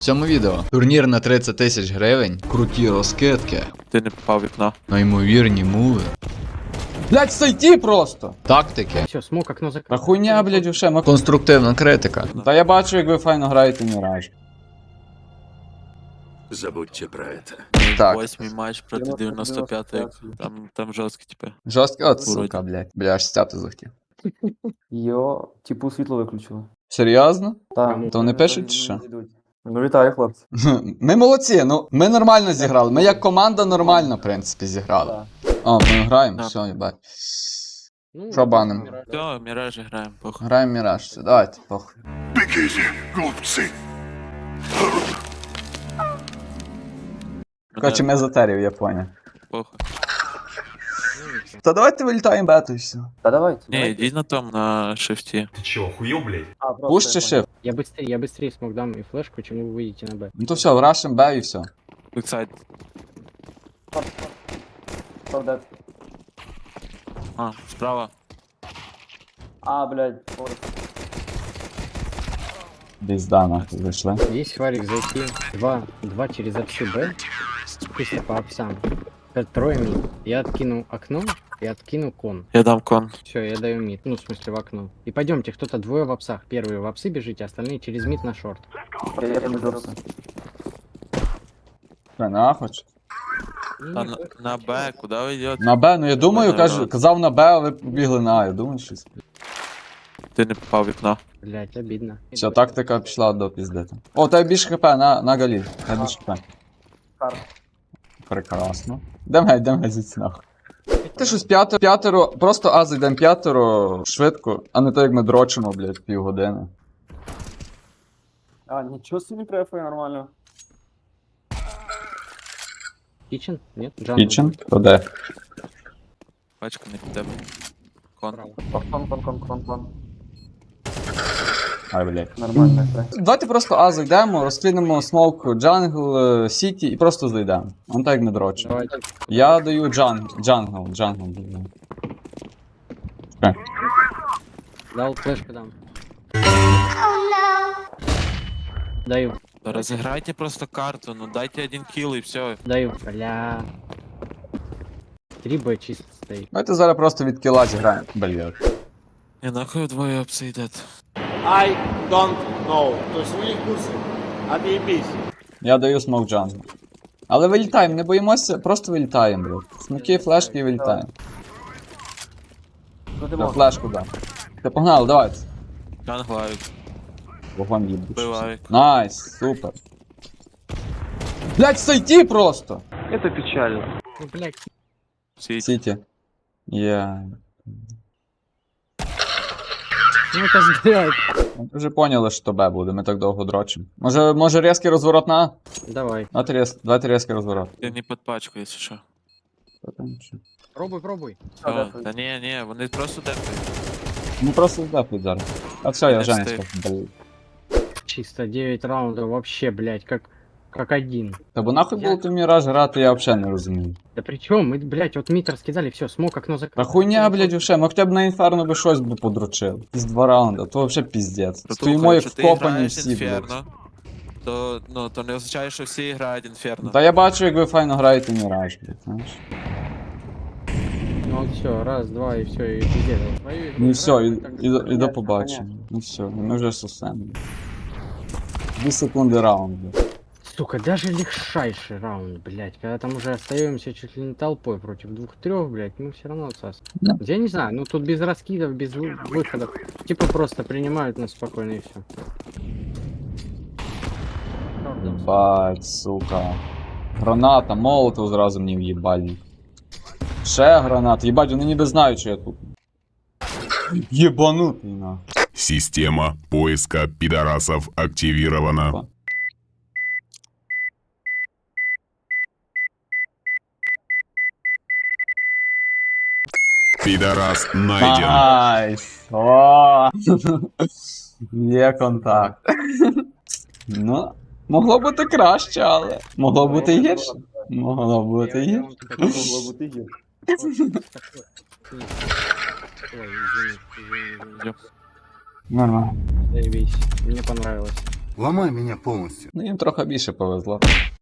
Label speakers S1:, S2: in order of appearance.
S1: В цьому відео турнір на 30 тисяч гривень, круті розкидки,
S2: Ти не попав в вікно.
S1: неймовірні муви,
S3: Блять, сойти просто!
S1: тактики
S4: Все, смог окно
S3: Та
S4: закрыл.
S3: хуйня, блять, вообще.
S1: конструктивна критика.
S3: Та я бачу, як ви файно граєте Міраж.
S5: Забудьте про это.
S1: Так.
S2: 8-й матч проти 95-ї. Там жорсткі, типи.
S1: Жорсткий от
S2: Вроді.
S1: сука, блять. Бля, аж стяти захотів.
S6: Йо, типу світло виключили.
S1: Серйозно?
S6: Так.
S1: То вони пишуть чи що?
S6: Ну вітаю, хлопці.
S1: Ми молодці, ну ми нормально зіграли. Ми як команда нормально, в принципі, зіграли. О, ми граємо,
S2: Так.
S1: все, їбать.
S4: Ну,
S1: Що баним?
S2: Все, Міражі граємо, похуй.
S1: Граємо Міраж, все, давайте, похуй.
S5: Бегите, глупцы.
S1: Короче, ми затерів, я поняв.
S2: Похуй.
S1: Та давайте вилітаємо бету і все.
S6: Та давайте.
S2: Ні, йдіть на том, на шифті.
S5: Ты чё, охуел, блядь?
S1: Пуш чи шиф?
S4: Я быстрее смог дам и флешку, чем вы выйдете на Б.
S1: Ну то все, врашим Б і все.
S2: Бексайд. А, справа.
S6: А, блядь,
S1: Пізда, нахуй, зайшли.
S4: Есть фарик зайти. Два через апсы Б. Чисто по апсам. Трое мид. Я откину окно и откину кон.
S2: Я дам кон.
S4: Все, я даю мид. Ну, в смысле, в окно. И пойдемте, кто-то двое в апсах. Первые в апсы бежите, остальные через мид на шорт.
S6: я не дорся.
S1: Що, нахуй? чи?
S2: А на Б, куди ви йдете?
S1: На Б, ну я думаю, казав на Б, а ви побігли на А, я думаю, щось.
S2: Ти не попав в вікно.
S4: Блять, обидно.
S1: Все, тактика пішла до піздити. О, тебе більше хп на галі. Тебе більше хп. Прекрасно. Йдемо звідси нахуй. Ти щось п'ятеро, просто А зайдемо п'ятеро швидко, а не так як ми дрочимо, блядь, півгодини.
S6: А, нічого собі префує нормально.
S4: Кичен? Нет? Джангл.
S1: Кічен? То де?
S2: Пачка не під тебе. Кон.
S6: Кон.
S1: Ай, блядь.
S6: Нормально, так.
S1: Давайте просто А зайдемо, розкинемо смок джангл, сіті і просто зайдемо. Он так як ми дрочимо.
S4: Давайте.
S1: Я даю джангл даю.
S4: Дал флешку дам. Даю.
S2: Та розіграйте просто карту, ну дайте один кіл і все.
S4: Даю. Бля. 3 Б чисто стоит.
S1: Давайте зараз просто від кіла зіграємо. Блядь.
S2: І нахуй вдвоє апси йдете.
S7: I don't know. То есть у них курсы. Отъебись.
S1: Я даю смок джангл. Але вилітаємо, не боїмося, просто вилітаємо, блядь. Смоки, флешки і вилітаємо.
S6: Що ти
S1: Та
S6: можеш?
S1: флешку дам. Та погнали, давайте.
S2: Джанглавик.
S1: Вогонь їбуть.
S2: Бивавик.
S1: Найс, супер. Блять, сойти просто!
S4: Ну, блять.
S2: Сіть.
S1: Сіті. Я...
S4: Ну, это сбивает.
S1: Ми вже поняли, що Б буде, ми так довго дрочимо. Може різкий розворот на А?
S4: Давай.
S1: Давайте різкий розворот.
S2: Ти не під пачку, якщо що.
S1: Та там що?
S4: Пробуй.
S2: Все. Та ні, вони просто дефають.
S1: Ну просто здапуть зараз. А все, я
S2: Не
S1: Женя
S2: встиг.
S1: скажу.
S4: Чисто 9 раундов вообще, блять, как один.
S1: Та бо нахуй було ти в Міраж грати, я взагалі не розумію.
S4: Да при чем? Мы, блять, вот мид раскидали, все, смог окно закрыл.
S1: Та хуйня, блядь, вообще, ми хоча б на інферно би щось би подручили. Із 2 раунда, то вообще піздець. Стоїмо як
S2: Якщо ти
S1: вкопані
S2: граєш
S1: всі, блядь.
S2: інферно, то не означає, що всі грають інферно.
S1: Та я бачу, як ви файно граєте Міраж, блядь, знаєш.
S4: Ну вот все, раз, два и все, и пиздец. Свою игру
S1: Ну і все,
S4: играем, так
S1: і до
S6: понятно,
S1: побачення. Ну все, ми вже сусемо. 2 секунди раунд, блядь.
S4: Сука, даже легчайший раунд, блять, когда там уже остаемся чуть ли не толпой против 2-3, блять, мы все равно отсас.
S1: Да.
S4: Я не знаю, ну тут без раскидов, без выходов. Типа просто принимают нас спокойно и все.
S1: Бать, сука. Граната, молотов зразу мені в'їбальник. Ще гранат, їбать, вони ніби знають, що я тут. Єбанутий, на.
S8: Система поиска пидорасов активирована.
S1: Опа.
S8: Пидорас найден.
S1: Найс! О! Є контакт. Ну, могло бути краще, але. Могло бути і гірше. Могло бути і гірше.
S6: Могло бути гірше.
S4: Ой, извини.
S1: Нормально.
S4: Заебись. Мне понравилось.
S5: Ломай меня полностью.
S3: Ну їм трохи більше повезло.